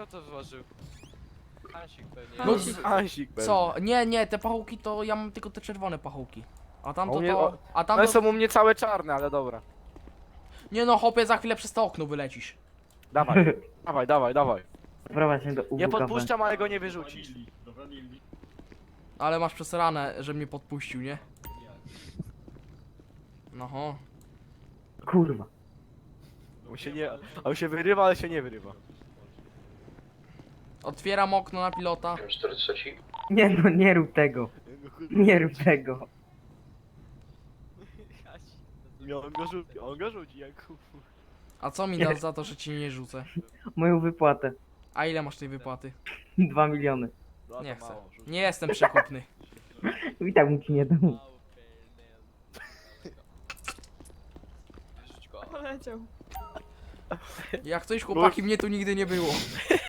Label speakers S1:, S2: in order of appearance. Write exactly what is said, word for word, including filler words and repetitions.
S1: to wyważył? Hansik pewnie.
S2: No,
S3: No,
S2: z-
S3: Ansik pewnie.
S2: Co? Nie, nie, te pachołki to ja mam tylko te czerwone pachołki. A
S3: A
S2: tamto
S3: u mnie-
S2: to...
S3: o-
S2: A
S3: One
S2: tamto...
S3: są u mnie całe czarne, ale dobra.
S2: Nie no, hopie, za chwilę przez to okno wylecisz.
S3: Dawaj, dawaj, dawaj, dawaj.
S4: Prowadź mnie do U W
S3: Nie
S4: K B.
S3: podpuszczam, ale go nie wyrzucisz.
S2: Ale masz przesrane, że mnie podpuścił, nie? No ho.
S4: Kurwa.
S3: On się nie... On się wyrywa, ale się nie wyrywa.
S2: Otwieram okno na pilota.
S4: Nie no, nie rób tego. Nie rób tego.
S3: Nie, on go rzuci, on go rzuci, Jakub.
S2: A co mi dasz za to, że ci nie rzucę?
S4: Moją wypłatę.
S2: A ile masz tej wypłaty?
S4: Dwa miliony.
S3: No, to
S2: Nie chcę.
S3: mało, rzuć.
S2: Nie jestem przekupny.
S4: I tak mu ci nie dam.
S1: Rzuć go.
S5: Poleciał.
S2: Jak coś, chłopaki, mnie tu nigdy nie było.